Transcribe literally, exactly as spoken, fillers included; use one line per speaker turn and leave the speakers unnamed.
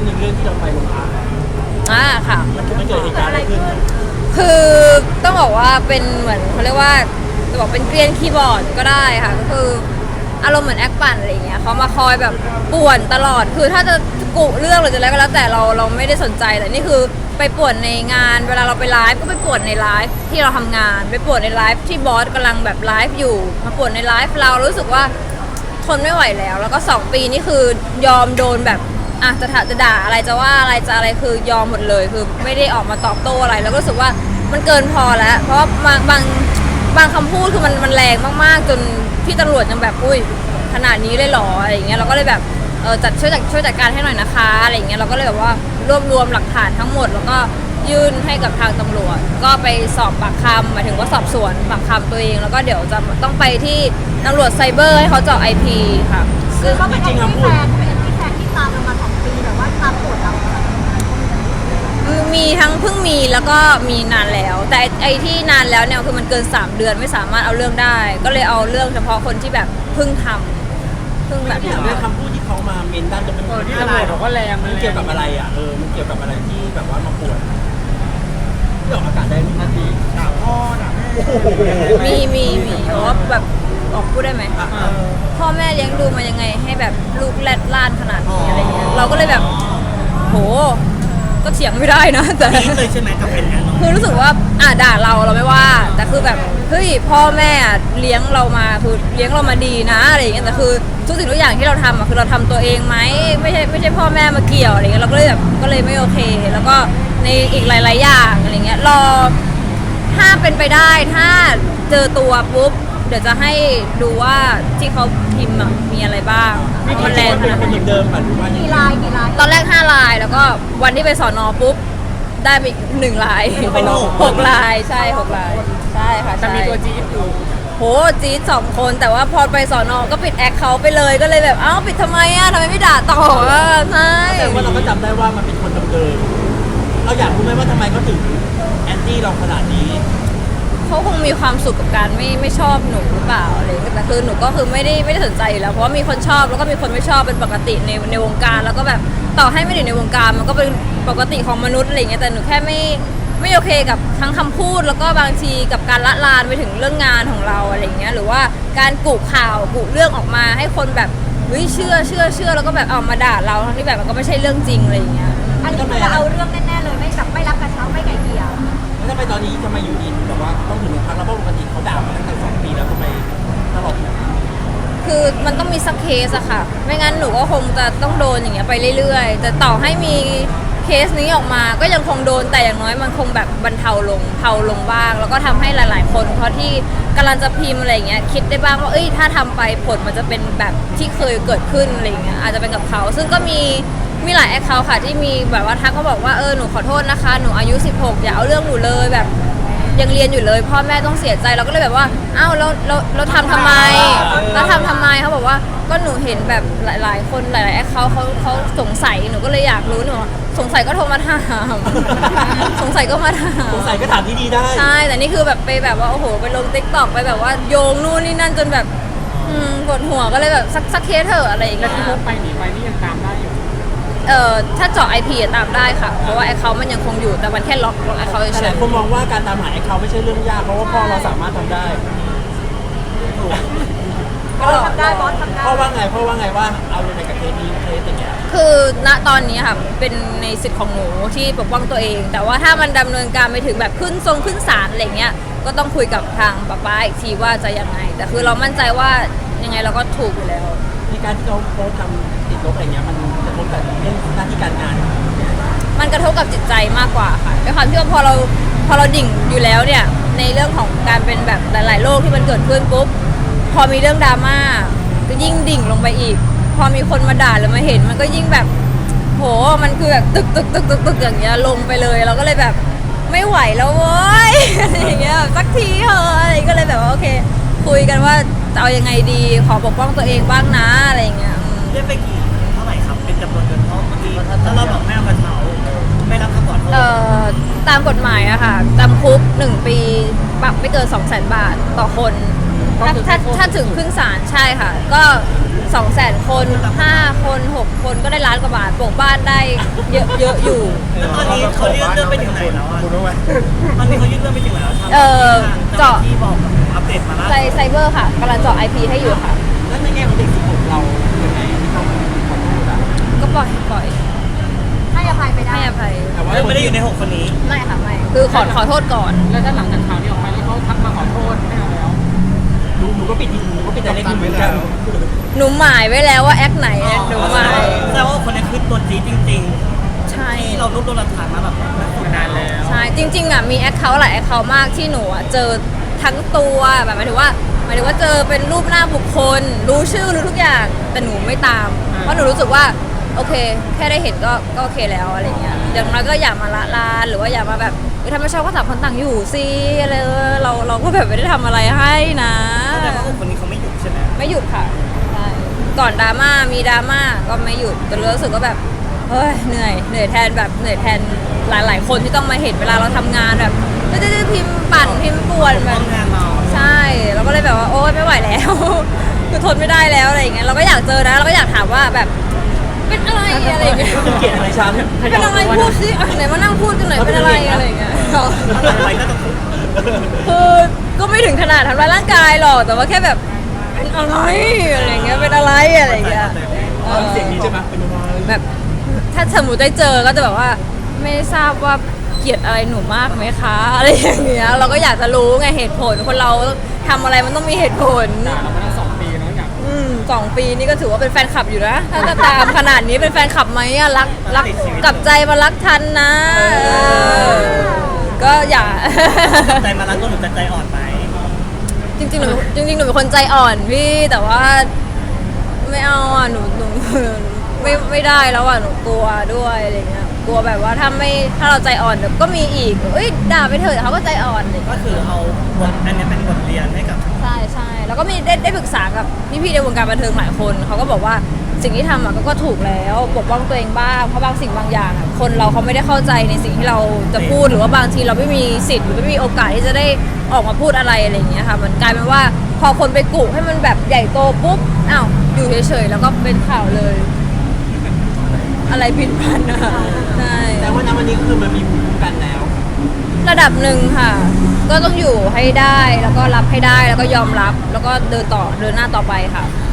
นึ่งเรื่องที่เราไปโรงพัก
อ่าค่ะ
มันมันเกิดเหตุการณ์อะไรขึ้น
คือต้องบอกว่าเป็นเหมือนเขาเรียกว่าจะบอกเป็นเกรียนคีย์บอร์ดก็ได้ค่ะก็คืออารมณ์เหมือนแอคปั่นอะไรอย่างเงี้ยเขามาคอยแบบป่วนตลอดคือถ้าจะกุเรื่องหรือจะอะไรก็แล้วแต่เราเราไม่ได้สนใจแต่นี่คือไปป่วนในงานเวลาเราไปไลฟ์ก็ไปป่วนในไลฟ์ที่เราทำงานไปป่วนในไลฟ์ที่บอสกำลังแบบไลฟ์อยู่มาป่วนในไลฟ์เรารู้สึกว่าทนไม่ไหวแล้วแล้วก็สองปีนี่คือยอมโดนแบบอ่ะจะถาจะด่าอะไรจะว่าอะไรจะอะไรคือยอมหมดเลยคือไม่ได้ออกมาตอบโต้อะไรแล้วก็รู้สึกว่ามันเกินพอแล้วเพราะว่าบางบางบางคำพูดคือมันมันแรงมากๆจนพี่ตำรวจยังแบบอุ้ยขนาดนี้เลยเหรออะไรอย่างเงี้ยเราก็เลยแบบเออจัดช่วยจัดช่วยจัดการให้หน่อยนะคะอะไรอย่างเงี้ยเราก็เลยแบบว่ารวบรวมหลักฐานทั้งหมดแล้วก็ยื่นให้กับทางตำรวจก็ไปสอบปากคำหมายถึงว่าสอบสวนปากคำตัวเองแล้วก็เดี๋ยวจะต้องไปที่ตำรวจไซเบอร์ให้เขาเจาะ ไอ พี ค่ะ
คือเขาเป็นแอนตี้แฟนเป็นแอนตี้แฟนที่ตามเรามาสองปีแต่ว่าตามโกรธเรา
มีทั้งเพิ่งมีแล้วก็มีนานแล้วแต่ไอ้ที่นานแล้วเนี่ยคือมันเกินสามเดือนไม่สามารถเอาเรื่องได้ก็เลยเอาเรื่องเฉพาะคนที่แบบเพิ่งทำเพิ่งแบบ
อย่างเรื่องคำพูดที่เขามาเมนด้านจะเป็น
ที่ตำรวจบอกว่าแรง
มันเกี่ยวกับอะไรอ่ะเออมันเกี่ยวกับอะไรที่แบบว่ามาปวดที่ออกอากาศได้นาทีด่าพ่อด่าแม่
มีมีมีเพราะว่าแบบออกพูดได้ไหมพ่อแม่เลี้ยงดูมายังไงให้แบบลูกแรดล่านขนาดนี้อะไรเงี้ยเราก็เลยแบบโหก็เถียงไม่ได้นะแต่
เลยใช่ไหมกับเป็นอย่างนั้น
คือรู้สึกว่าอ่ะด่าเราเราไม่ว่าแต่คือแบบเฮ้ยพ่อแม่เลี้ยงเรามาคือเลี้ยงเรามาดีนะอะไรอย่างเงี้ยแต่คือทุกสิ่งทุกอย่างที่เราทำอ่ะคือเราทำตัวเองไหมไม่ใช่ไม่ใช่พ่อแม่มาเกี่ยวอะไรเงี้ยเราก็เลยแบบก็เลยไม่โอเคแล้วก็ในอีกหลายๆอย่างอะไรเงี้ยรอถ้าเป็นไปได้ถ้าเจอตัวปุ๊บเดี๋ยวจะให้ดูว่าที่เขาพิมพ์มีอะไรบ้าง
มันแรงขนาดไหนเดิมหรือว่า
กี่ลายกี่ลาย
ตอนแรกห้าลายแล้วก็วันที่ไปสอนอปุ๊บได้ไปหนึ่งลายหกลายใช่หกลายใช่ค่ะ
แต่มีตัวจี๊ดอยู่
โหจี๊ดสองคนแต่ว่าพอไปสอนอก็ปิดแอคเขาไปเลยก็เลยแบบเอ้าปิดทำไมอ่ะทำไมไม่ด่าต่ออ่ะใช่
แต่ว่าเราก็จำได้ว่ามันเป็นคนเดิมๆเราอยากรู้ไหมว่าทำไมเขาถึงแอนตี้เราขนาดนี้
เขาคงมีความสุขกับการไม่ไม่ชอบหนูหรือเปล่าอะไรแต่คือหนูก็คือไม่ได้ไม่ได้สนใจอยู่แล้วเพราะว่ามีคนชอบแล้วก็มีคนไม่ชอบเป็นปกติในในวงการแล้วก็แบบต่อให้ไม่ได้ในวงการมันก็เป็นปกติของมนุษย์อะไรเงี้ยแต่หนูแค่ไม่ไม่โอเคกับทั้งคำพูดแล้วก็บางทีกับการละลานไปถึงเรื่องงานของเราอะไรเงี้ยหรือว่าการกุข่าวกุเรื่องออกมาให้คนแบบเฮ้ยเชื่อเชื่อเชื่อแล้วก็แบบเอามาด่าเราทั้งที่แบบมันก็ไม่ใช่เรื่องจริงอะไรเงี้ย
อันนี้คือเราเอาเรื่องแน่ๆเลยไม่แบบไม่รับกระเช้าไม่ไกลเกลี่ย
แล้วทำไมตอนนี้ทำไมอยู่ดีแบบว่าต้องถึงพักแล้วเพราะปกติเขาด่ามาตั้งแต่สองปีแล้วทำไมตลอด
คือมันต้องมีสักเคสอะค่ะไม่งั้นหนูก็คงจะต้องโดนอย่างเงี้ยไปเรื่อยๆแต่ต่อให้มีเคสนี้ออกมาก็ยังคงโดนแต่อย่างน้อยมันคงแบบบรรเทาลงเทาลงบ้างแล้วก็ทำให้หลายๆคนเพราะที่กำลังจะพิมพ์อะไรเงี้ยคิดได้บ้างว่าเอ้ยถ้าทำไปผลมันจะเป็นแบบที่เคยเกิดขึ้นอะไรเงี้ยอาจจะเป็นกับเขาซึ่งก็มีมีหลายแอคเคาท์ค่ะที่มีแบบว่าทักเขาบอกว่าเออหนูขอโทษนะคะหนูอายุสิบหกอย่าเอาเรื่องหนูเลยแบบยังเรียนอยู่เลยพ่อแม่ต้องเสียใจเราก็เลยแบบว่าอ้าวเราเราเราทำทำไมเราทำทำไมเขาบอกว่าก็หนูเห็นแบบหลายๆคนหลายๆแอคเคาท์เขาเขาสงสัยหนูก็เลยอยากรู้หนูสงสัยก็โทรมาถามสงสัยก็มาถาม
สงสัยก็ถามที่ดีได้
ใช่แต่นี่คือแบบไปแบบว่าโอ้โหไปลงติ๊กต็อกไปแบบว่าโยงนู่นนี่นั่นจนแบบอืมปวดหัวก็เลยแบบสักสักเคสเถอะอะไรอย่างเงี้ย
แล้วที่พกไปหนีไปนี่ยังตามได้อยู่
เอ่อถ้าเจาะ ไอ พี ตามได้ค่ะเพราะว่าแอคเคาท์มันยังคงอยู่แต่มันแค่ล็อกล็อกแอคเคาท์เฉย
ๆแต่คนมองว่าการตามหาแอคเคาท์ไม่ใช่เรื่องยากเพราะว่าพ่อเราสามารถทำได้
บอสทำได้บอสทำได้
พ่อว่าไงพ่อว่าไงว่าเอายังไงกับเคสนี้เคสอย่างเงี้ย
คือณตอนนี้ค่ะเป็นในสิทธิ์ของหนูที่ปกป้องตัวเองแต่ว่าถ้ามันดำเนินการไปถึงแบบขึ้นทรงขึ้นศาลอะไรเงี้ยก็ต้องคุยกับทางป้าป้าอีกทีว่าจะยังไงแต่คือเรามั่นใจว่ายังไงเราก็ถูกอยู่แล้ว
ในการที่เขาโพสทำติดลบอะไรเงี้ยมันจะกระทบกับเรื่องหน้าที่การงาน
มันกระทบกับจิตใจมากกว่าค่ะด้วยความที่ว่าพอเราพอเราดิ่งอยู่แล้วเนี่ยในเรื่องของการเป็นแบบหลายๆโรคที่มันเกิดขึ้นปุ๊บพอมีเรื่องดราม่าก็ยิ่งดิ่งลงไปอีกพอมีคนมาด่าหรือมาเห็นมันก็ยิ่งแบบโหมันคือแบบตึกตึกตึกตึกตึกอย่างเงี้ยลงไปเลยเราก็เลยแบบไม่ไหวแล้วเว้ยอะไรอย่างเงี้ยสักทีเถอะอะไรก็เลยแบบว่าโอเคคุยกันว่าจะเอายังไงดีขอปกป้องตัวเองบ้างนะอะไรอย่างเงี้ย
เรียกไปกี่เท่าไหร่ครับเป็นจำนวนเงินเท่าเมื่อกี้ถ้าเราบอกไม่เอากระเช้าไม่รับคำขอโทษ
เอ่อตามกฎหมายอะค่ะจำคุกหนึ่งปีปรับไม่เกินสองแสนบาทต่อคนถ้าถ้าถ้าถึงขึ้นศาลใช่ค่ะก็สองแสนคนห้าคนหกคนก็ได้ล้านกว่าบาทปลูกบ้านได้เยอะเยอะอยู่
แล้วตอนนี้เขายื่นเรื่องไปถึงไหนแล้วอ่ะ
คุณรู้ไหม
ตอนนี้เขายื่นเรื่องไปถึงไหนแล้วทาง
เอ่อ
เจาะ
เจาะ
ที่บอกอัปเดตมาแล้ว
ไซไซเบอร์ค่ะกำลังเจาะ ไอ พี ให้อยู่ค่ะ
แล้วในแง่ของเด็กสิบหกเรายังไงที่เขาขอโทษอ่ะ
ก็ปล่อยปล่อย
ให้อภัยไปได้
ให้อภัย
แต่ว่า
เรื่องไม่ได้อยู่ในหกคนนี้
ไม่ค่ะไม่คือขอขอโทษก่อน
แล้วถ้าหลังจากข่าวนี้ออกไปแล้วเขาทักมาขอโทษไม่เอาแล้ว
หนูหนูก็ปิดหนูก็ปิดใจเล็กเหมือนกัน
หนูหมายไว้แล้วว่าแอคไหนหนูหมาย
แสดงว่าคนนี้คือตัวจีดจริง
ใช่
ๆ ที่เรารวบรวมหลักฐานมาแบบ
มานานแล้ว
ใช่จริงๆอ่ะมีแอคเคาท์หลายแอคเคาท์มากที่หนูอ่ะเจอทั้งตัวแบบหมายถึงว่าหมายถึงว่าเจอเป็นรูปหน้าบุคคล รู้ชื่อรู้ทุกอย่างแต่หนูไม่ตาม เพราะหนูรู้สึกว่าโอเค แค่ได้เห็นก็ก็โอเคแล้วอะไรเงี้ยอย่างน้อยก็อย่ามาละลานหรือว่าอย่ามาแบบเออถ้าไม่ชอบก็ต่างคนต่างอยู่สิอะไรเออเราเราก็แบบไม่ได้ทำอะไรให้นะ
แสดงว่าหกคนนี้เขาไม่หยุดใช่ไหม
ไม่หยุดค่ะใช่ก่อนดราม่ามีดราม่าก็ไม่หยุดแต่รู้สึกว่าแบบเฮ้ยเหนื่อยเหนื่อยแทนแบบเหนื่อยแทนหลาย ๆ คนที่ต้องมาเห็นเวลาเราทำงานแบบจะจะพิมพ์ปั่นพิมพ์ป่วนแบ
ต้
บ
องงานเรา
ใช่เราก็เลยแบบว่าโอ๊ยไม่ไหวแล้ว คือทนไม่ได้แล้วอะไรอย่างเงี้ยเราก็อยากเจอนะเราก็อยากถามว่าแบบเป็นอะไรอะไรอย่างเงี้ย
คุณเกลียดอะไรฉัน
เป็นอะไรพูดสิอ่ะไหนมานั่งพูดกันหน่อยเป็นอะไรอะไรอย่างเงี้ย
ถ้าอะไรก็จะคุก
คือก็ไม่ถึงขนาดทำร้ายร่างกายหรอกแต่ว่าแค่แบบเป็นอะไรอะไรอย่างเงี้ยเป็นอะไรอะไรอย่างเงี้ยเออ
เสียงนี้ใช่ไหมเป็นอะไร
แบบถ้าสมมติได้เจอก็จะแบบว่าไม่ทราบว่าเกลียดอะไรหนูมากไหมคะอะไรอย่างเงี้ยเราก็อยากจะรู้ไงเหตุผลคนเราทำอะไรมันต้องมีเหตุผล
ด่าเรามาตั้งสองปีเนาะอยาก
อืมสองปีนี่ก็ถือว่าเป็นแฟนคลับอยู่นะถ้าจะตามขนาดนี้เป็นแฟนคลับไหมอะรักรักกลับใจมารักทันนะเออก็อย่า
ใจมารักก็หนูจะใจอ่อนไหม
จริงๆหนูจริงๆหนูเป็นคนใจอ่อนพี่แต่ว่าไม่เอาอ่ะหนูหนูไม่ไม่ได้แล้วอ่ะหนูกลัวด้วยอะไรเงี้ยกลัวแบบว่าถ้าไม่ถ้าเราใจอ่อนเดี๋ยวก็มีอีกเอ้ยด่าไปเถอะเขาก็ใจอ่อนเลย
ก็คือเอาบทอันนี้เป็นบทเรียนให้กับ
ใช่ใช่แล้วก็มีได้ได้ปรึกษากับพี่ๆในวงการบันเทิงหลายคนเขาก็บอกว่าสิ่งที่ทำอ่ะก็ก็ถูกแล้วปกป้องตัวเองบ้างเพราะบางสิ่งบางอย่างอ่ะคนเราเขาไม่ได้เข้าใจในสิ่งที่เราจะพูดหรือว่าบางทีเราไม่มีสิทธิ์หรือไม่มีโอกาสที่จะได้ออกมาพูดอะไรอะไรอย่างเงี้ยค่ะมันกลายเป็นว่าพอคนไปกุให้มันแบบใหญ่โตปุ๊บอ้าวอยู่เฉยๆแล้วก็เป็นข่าวเลย อะไรผิดพลาดนะใช่
แต่ว่าณวันนี้คือมันมีภูมิคุ้มกันแล้ว
ระดับหนึ่งค่ะ ก็ต้องอยู่ให้ได้แล้วก็รับให้ได้แล้วก็ยอมรับแล้วก็เดินต่อเดินหน้าต่อไปค่ะ